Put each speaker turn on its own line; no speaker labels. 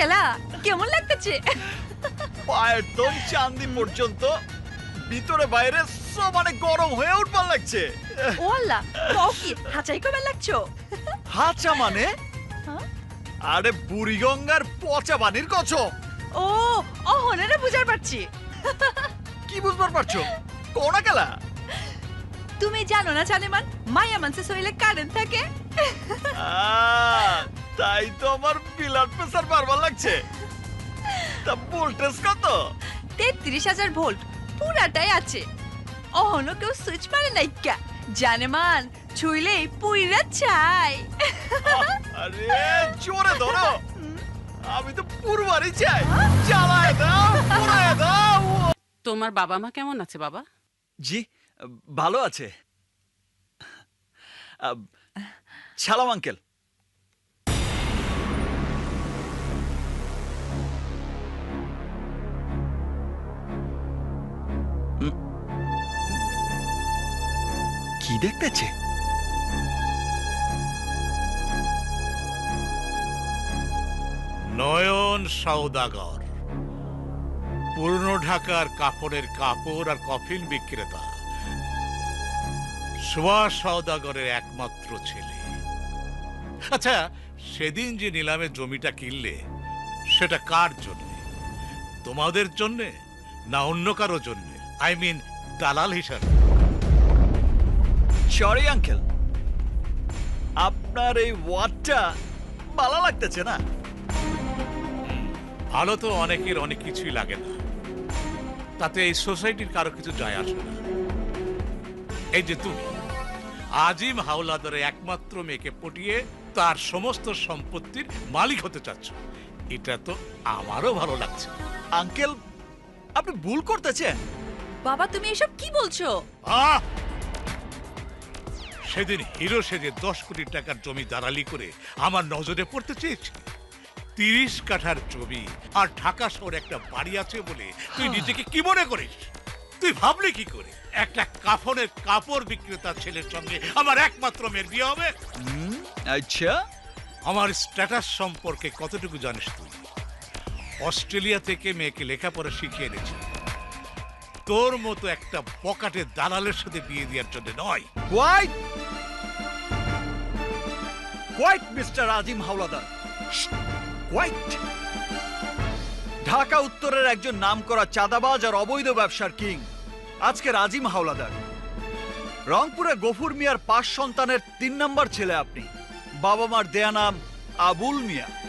কেলা কেমন লাগতেছে?
পায়ের তোম চাঁদি পর্যন্ত ভিতরে বাইরে সমানে গরম হয়ে উঠবার লাগছে।
ও আল্লাহ, কও কি হাঁচাই কবে লাগছো?
হাঁচা মানে?
হ্যাঁ?
আরে বুড়িগঙ্গার পচা পানির কছম।
ও অহনারে বুঝার পারছি।
কি বুঝবার পারছো? কোনা কেলা?
তুমি জানো না জানেমান মায়া মানসে শরীরে কারেন্ট থাকে।
তাই তো আমার ব্লাড প্রেসার বাড়বার লাগছে। তা ভোল্টেজ কত?
33,000 ভোল্ট পুরাটাই আছে। অহনো কেউ সুইচ মারে নাই কা জানেমান ছুইলেই পুইরা চাই।
আরে জোরে ধরো, আমি তো পুরবারই চাই। জ্বালায় দাও, পুরায় দাও।
তোমার বাবা মা কেমন আছে বাবা?
জি ভালো আছে। সালাম আঙ্কেল। কি দেখতেছে?
নয়ন সওদাগর, পুরনো ঢাকার কাপড়ের কাপড় আর কফিন বিক্রেতা, সুভাষ সওদাগরের একমাত্র ছেলে। আচ্ছা, সেদিন যে নিলামে জমিটা কিনলে সেটা কার জন্য? তোমাদের জন্যে না অন্য কারো জন্য? আই মিন দালাল হিসাবে?
সরি আঙ্কেল, আপনার এই ওয়ার্ডটা ভালো লাগতেছে না।
ভালো তো অনেকের অনেক কিছুই লাগে না, তাতে এই সোসাইটির কারো কিছু যায় আসে না। এই যে তুমি আজিম হাওলাদারের একমাত্র মেয়েকে পটিয়ে তার সমস্ত সম্পত্তির মালিক হতে চাচ্ছ, এটা তো আমারও ভালো লাগছে।
আঙ্কেল আপনি ভুল করতেছেন।
বাবা তুমি এসব কি বলছো?
আহ! সেদিন হিরো সেজে 10 কোটি টাকার জমি দালালি করে আমার নজরে পড়তে চেয়েছি। 30 কাঠার জমি আর ঢাকা শহরে একটা বাড়ি আছে বলে তুই নিজেকে কি মনে করিস? তুই ভাবলি কি করে একটা কাফনের কাপড় বিক্রেতা ছেলের সঙ্গে আমার একমাত্র মেয়ের বিয়ে হবে?
আচ্ছা,
আমার স্ট্যাটাস সম্পর্কে কতটুকু জানিস তুই? অস্ট্রেলিয়া থেকে মেয়েকে লেখাপড়া শিখিয়ে এনেছি, তোর মতো একটা পকেটে দালালের সাথে বিয়ে দেওয়ার জন্য নয়।
Wait wait mister Azim Howlader, wait. Dhaka উত্তরের একজন নামকরা চাঁদাবাজ আর অবৈধ ব্যবসার কিং আজকের আজিম হাওলাদার। রংপুরে গফুর মিয়ার 5 সন্তানের 3 নম্বর ছেলে আপনি। বাবা মার দেয়া নাম আবুল মিয়া।